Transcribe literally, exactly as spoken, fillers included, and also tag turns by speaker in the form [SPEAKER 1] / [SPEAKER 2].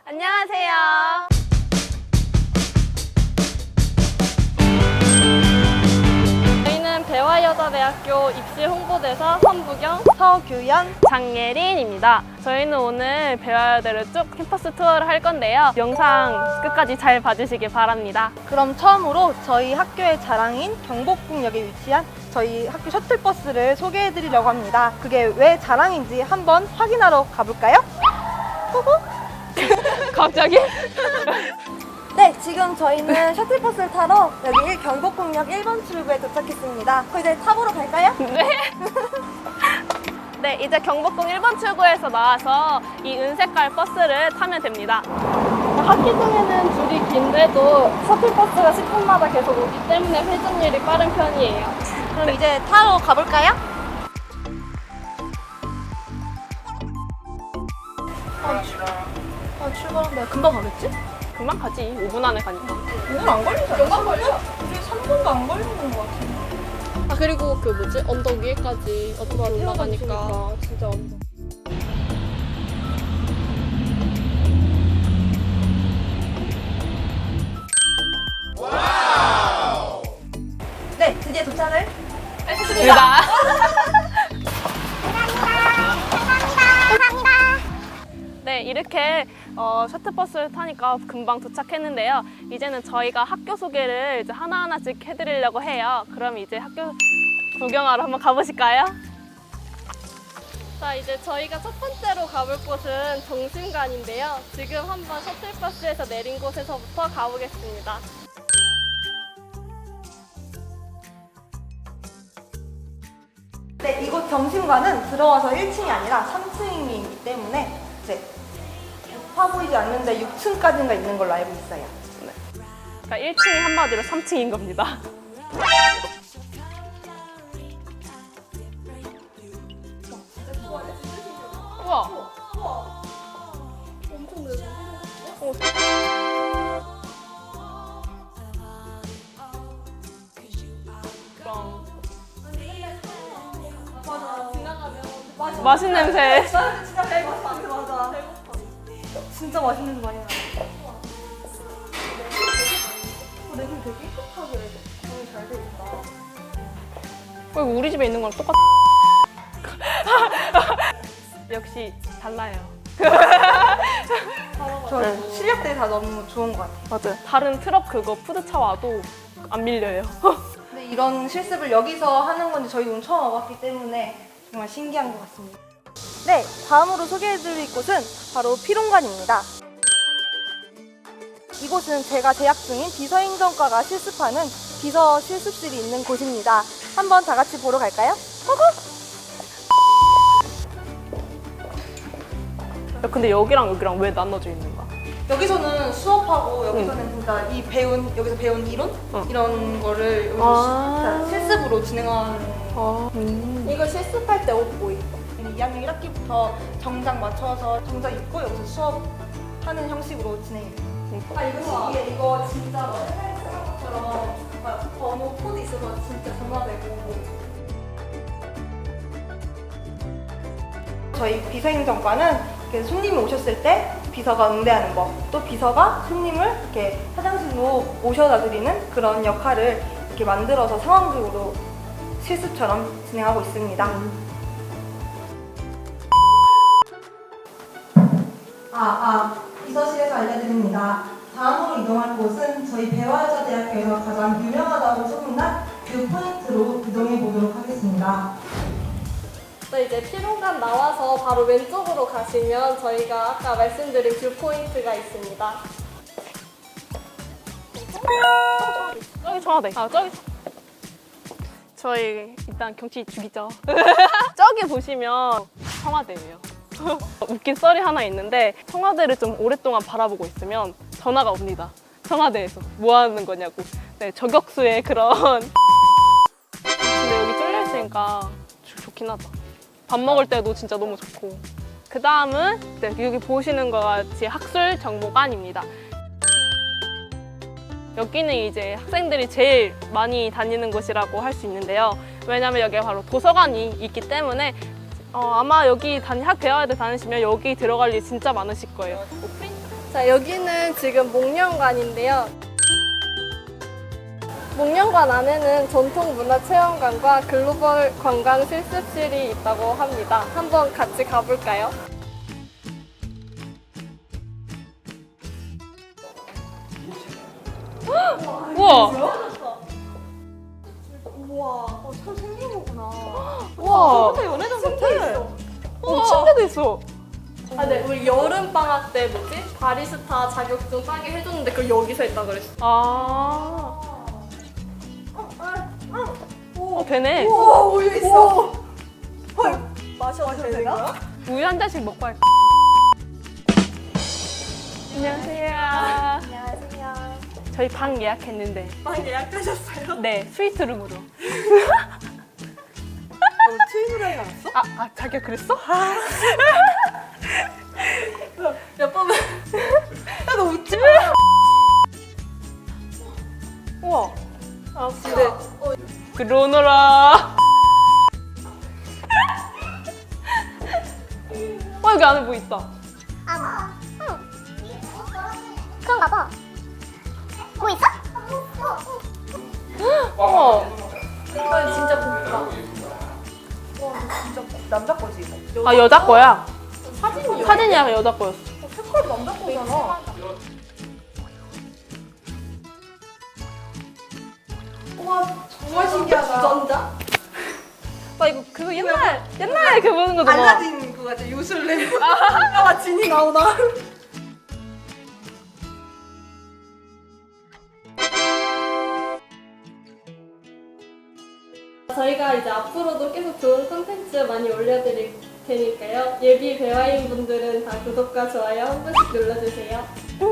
[SPEAKER 1] 안녕하세요. 저희는 배화여자대학교 입시 홍보대사 선부경,
[SPEAKER 2] 서규연,
[SPEAKER 1] 장예린입니다. 저희는 오늘 배화여대를 쭉 캠퍼스 투어를 할 건데요. 영상 끝까지 잘 봐주시길 바랍니다.
[SPEAKER 2] 그럼 처음으로 저희 학교의 자랑인 경복궁역에 위치한 저희 학교 셔틀버스를 소개해드리려고 합니다. 그게 왜 자랑인지 한번 확인하러 가볼까요? 고고!
[SPEAKER 1] 갑자기?
[SPEAKER 2] 네, 지금 저희는 셔틀버스를 타러 여기 경복궁역 일 번 출구에 도착했습니다. 그럼 이제 타보러 갈까요?
[SPEAKER 1] 네. 네, 이제 경복궁 일 번 출구에서 나와서 이 은색깔 버스를 타면 됩니다. 학기 중에는 줄이 긴데도 셔틀버스가 십 분마다 계속 오기 때문에 회전율이 빠른 편이에요.
[SPEAKER 2] 그럼 이제 타러 가볼까요? 아, 출... 아 출발한다. 금방 가겠지?
[SPEAKER 1] 금방 가지. 오 분 안에 가니까.
[SPEAKER 2] 오 분 안 걸리잖아. 금방 걸려? 우리 삼 분도 안 걸리는 것 같은데.
[SPEAKER 1] 아, 그리고 그 뭐지? 언덕 위에까지 어떻게 올라가니까 진짜 언덕.
[SPEAKER 2] 네, 드디어 도착을
[SPEAKER 1] 했습니다. 네, 이렇게 어, 셔틀버스를 타니까 금방 도착했는데요. 이제는 저희가 학교 소개를 이제 하나하나씩 해드리려고 해요. 그럼 이제 학교 구경하러 한번 가보실까요? 자, 이제 저희가 첫 번째로 가볼 곳은 정심관인데요. 지금 한번 셔틀버스에서 내린 곳에서부터 가보겠습니다.
[SPEAKER 2] 네, 이곳 점심관은 들어와서 일 층이 아니라 삼 층이기 때문에 이제 높아 보이지 않는데 육 층까지가 있는 걸로 알고 있어요.
[SPEAKER 1] 네. 그러니까 일 층이 한마디로 삼 층인 겁니다. 우와. 우와. 엄청 넓어. 어.
[SPEAKER 2] 맞아. 지나가면 맞아.
[SPEAKER 1] 맛있는 냄새.
[SPEAKER 2] 진짜 배고파. 맞아. 진짜 맛있는 냄새 많이 나. 어, 냄새 되게 깨끗하게 너무 잘 돼 있다.
[SPEAKER 1] 어, 이거 우리 집에 있는 거랑 똑같아. 역시 달라요.
[SPEAKER 2] 저
[SPEAKER 1] 네.
[SPEAKER 2] 실력들이 다 너무 좋은 것 같아요.
[SPEAKER 1] 맞아요. 다른 트럭 그거 푸드차 와도 안 밀려요.
[SPEAKER 2] 근데 이런 실습을 여기서 하는 건지 저희도 처음 와봤기 때문에 정말 신기한 것 같습니다. 네, 다음으로 소개해드릴 곳은 바로 피롱관입니다. 이곳은 제가 재학 중인 비서행정과가 실습하는 비서 실습실이 있는 곳입니다. 한번 다 같이 보러 갈까요? 고고!
[SPEAKER 1] 야, 근데 여기랑 여기랑 왜 나눠져 있는 거야?
[SPEAKER 2] 여기서는 수업하고 여기서는 진짜 이 배운 여기서 배운 이론
[SPEAKER 1] 응.
[SPEAKER 2] 이런 거를 여기서
[SPEAKER 1] 아.
[SPEAKER 2] 시- 실습으로 진행하는.
[SPEAKER 1] 아, 음.
[SPEAKER 2] 이거 실습할 때 옷 뭐 입어? 이 학년 일 학기부터 정장 맞춰서 정장 입고 여기서 수업하는 형식으로 진행해요. 아 이거 신기해. 이거 진짜 옛날에 쓰는 것처럼 막 번호 코드 있어서 진짜 전화되고. 저희 비서행정과는 이렇게 손님이 오셨을 때 비서가 응대하는 법, 또 비서가 손님을 이렇게 화장실로 모셔다 드리는 그런 역할을 이렇게 만들어서 상황극으로 실습처럼 진행하고 있습니다. 아, 아, 비서실에서 알려드립니다. 다음으로 이동할 곳은 저희 배화여자대학교에서 가장 유명하다고 소문난 뷰 포인트로 이동해 보도록 하겠습니다.
[SPEAKER 1] 또 이제 피롱관 나와서 바로 왼쪽으로 가시면 저희가 아까 말씀드린 뷰포인트가 있습니다. 저기 청와대. 아, 저기. 저희 일단 경치 죽이죠. 저기 보시면 청와대예요. 웃긴 썰이 하나 있는데 청와대를 좀 오랫동안 바라보고 있으면 전화가 옵니다. 청와대에서 뭐 하는 거냐고. 네, 저격수의 그런. 근데 여기 뚫려 있으니까 좋긴 하다. 밥 먹을 때도 진짜 너무 좋고. 그 다음은 네, 여기 보시는 것 같이 학술 정보관입니다. 여기는 이제 학생들이 제일 많이 다니는 곳이라고 할 수 있는데요. 왜냐면 여기가 바로 도서관이 있기 때문에 어, 아마 여기 다니, 학 배워야 돼 다니시면 여기 들어갈 일 진짜 많으실 거예요. 뭐 프린트
[SPEAKER 3] 자, 여기는 지금 목련관인데요. 목련관 안에는 전통문화체험관과 글로벌 관광 실습실이 있다고 합니다. 한번 같이 가볼까요?
[SPEAKER 1] 우와.
[SPEAKER 2] 우와, 어, 참 생긴 거구나.
[SPEAKER 1] 우와.
[SPEAKER 2] 연애장 같아.
[SPEAKER 1] 어, 침대도 있어.
[SPEAKER 3] 아, 네. 우리 여름 방학 때 뭐지? 바리스타 자격증 따게 해줬는데 그걸 여기서 했다 그랬어.
[SPEAKER 1] 아. 어, 되네.
[SPEAKER 2] 우와, 우유 있어. 헐, 마셔도 되는 거야?
[SPEAKER 1] 우유 한 잔씩 먹고 할까? 안녕하세요.
[SPEAKER 2] 안녕하세요.
[SPEAKER 1] 저희 방 예약했는데.
[SPEAKER 2] 방 예약하셨어요?
[SPEAKER 1] 네, 스위트룸으로.
[SPEAKER 2] 너 트윈으로 나왔어?
[SPEAKER 1] 아, 아, 자기가 그랬어?
[SPEAKER 2] 몇 번은? 야, 너 웃지 마. 우와.
[SPEAKER 3] 아, 근데
[SPEAKER 1] 그러너라. 어, 여기 안에 뭐 있다.
[SPEAKER 4] 아, 응. 그런가 봐. 뭐 있어?
[SPEAKER 1] 어.
[SPEAKER 3] 이건 진짜 곱다.
[SPEAKER 2] 와, 진짜 남자 거지, 이거?
[SPEAKER 1] 아, 여자 거야.
[SPEAKER 3] 사진이
[SPEAKER 1] 사진이 약간 여자 거였어.
[SPEAKER 2] 어, 색깔 남자 거잖아. 와, 정말 신기하다.
[SPEAKER 3] 주전자?
[SPEAKER 1] 나 이거 그거 옛날 옛날에 그 보는 거잖아.
[SPEAKER 2] 알라딘 그거 같아, 요술램. 아, 진이 나오나?
[SPEAKER 3] 저희가 이제 앞으로도 계속 좋은 콘텐츠 많이 올려드릴 테니까요. 예비 배화인 분들은 다 구독과 좋아요 한 번씩 눌러주세요.